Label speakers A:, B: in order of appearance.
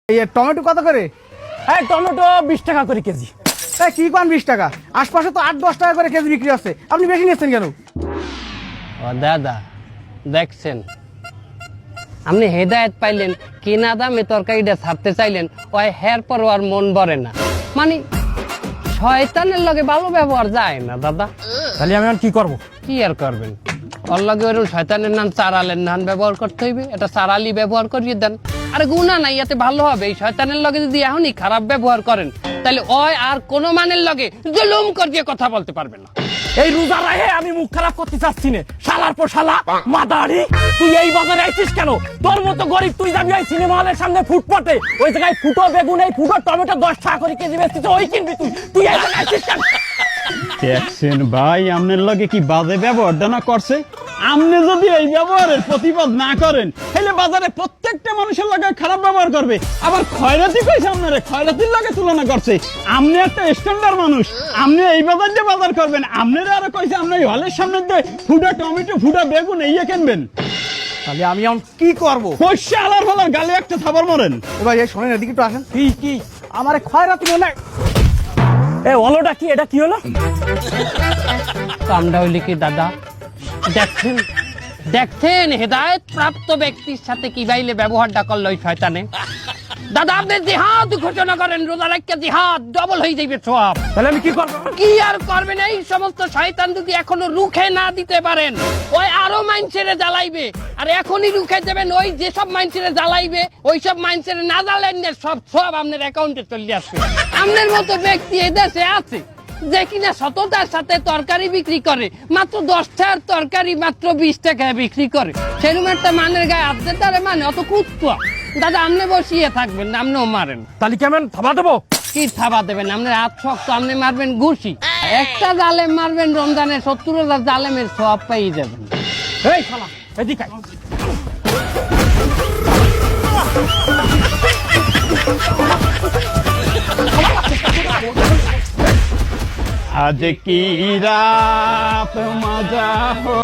A: এই টমেটো কত করে?
B: হ্যাঁ টমেটো 20 টাকা করে কেজি।
A: কি কোন 20 টাকা? আশপাশে তো 8-10 টাকা করে কেজি বিক্রি হচ্ছে, আপনি বেশি নিচ্ছেন কেন?
C: ও দাদা দেখছেন, আপনি হেদায়েত পাইলেন কিনা দামে তরকারিটা ছাড়তে চাইলেন, ওই হের পর আর মন ভরে না। মানে শয়তানের লগে ভালো ব্যবহার যায় না দাদা।
B: তাহলে আমি আর কি করব?
C: কি আর করবেন, ওর লগে ওরকম শয়তানের নাম চারালের নাম ব্যবহার করতে হইবে, এটা চারালি ব্যবহার করিয়ে দেন। আরে গুণা নাই, এতে ভালো হবে। এই শয়তানের লগে যদি এখনই খারাপ ব্যবহার করেন, তাহলে ওই আর কোন মানের লগে জুলুম করিয়ে কথা বলতে পারবে না।
B: এই রোজা রাহে আমি মুখ খারাপ করতে চাচ্ছি না। শালার পর শালা মাদারি, তুই এই বাজারে আইছিস কেন? তোর মতো গরিব তুই যাবি ওই সিনেমা হলের সামনে ফুটপাতে, ওই জায়গায় ফুটো বেগুন এই ফুটো টমেটো 10 টাকা করে কেজি বেচছিস, ওই কিনবি তুই? তুই এই জায়গায় আইছিস কেন?
D: দেখছেন ভাই, আপনার লগে কি বাজে ব্যবহারটা না করছে। আপনি যদি এই ব্যবহারের প্রতিবাদ না করেন, তাহলে বাজারে প্রত্যেকটা মানুষের লগে খারাপ ব্যবহার করবে। আবার খয়রাতি কইছে, আপনারে খয়রাতির লগে তুলনা করছে। আপনি একটা স্ট্যান্ডার্ড মানুষ, আপনি এই বাজার দিয়ে বাজার করবেন। আপনারা আরো কইছে আপনি এই হলের সামনে দিয়ে ফুটা টমেটো ফুটা বেগুন এই কিনবেন।
A: তাহলে আমি এখন কি করব?
D: পয়সা আলার হলার গালে একটা থাবার মরেন।
A: ভাই এই শোনেন, এদিকে একটু আসেন।
B: কি
A: আমার খয়রাতি মনে হয়।
B: এ হলোটা কি? এটা কি হলো?
C: কামটা হইলে কি দাদা? দেখছেন দেখছেন হেদায়েত প্রাপ্ত ব্যক্তির সাথে কি বাইলে ব্যবহারটা করলো ওই শয়তানে। দাদা আপনি জিহাদ ঘোষণা করেন, রোজা রাখতে জিহাদ ডবল হয়ে যাবে সব।
B: তাহলে আমি কি করব?
C: কি আর করবেন? এই সমস্ত শয়তান যদি এখনো রুখে না দিতে পারেন, ওই আরো মাইন্ডসেটে জ্বালাইবে। আর এখনই রুখে দেবেন, ওই যেসব মাইন্ডসেটে জ্বালাইবে, ওই সব মাইন্ডসেটে না জ্বালেন না, সব আপনার অ্যাকাউন্টে চলে আসবে। আপনার মতো ব্যক্তি এই দেশে আছে যে কিনা সততার সাথে তরকারি বিক্রি করে, মাত্র 10 টাকার তরকারি মাত্র 20 টাকায় বিক্রি করে। সেরকম একটা মানের গায়ে হাত দিতে পারে, মানে অত কুত্তা। দাদা আপনি বসিয়ে থাকবেন না, আপনিও মারেন।
B: তাহলে কেমন থাবা দেবো?
C: কি থাবা দেবেন? আপনার হাত শক্ত, আপনি মারবেন ঘুষি। একটা জালেম মারবেন রমজানের 70,000 জালেমের সব পেয়ে যাবেন।
B: এই শালা এদিকে আয়।
D: আজ কি রাত মজা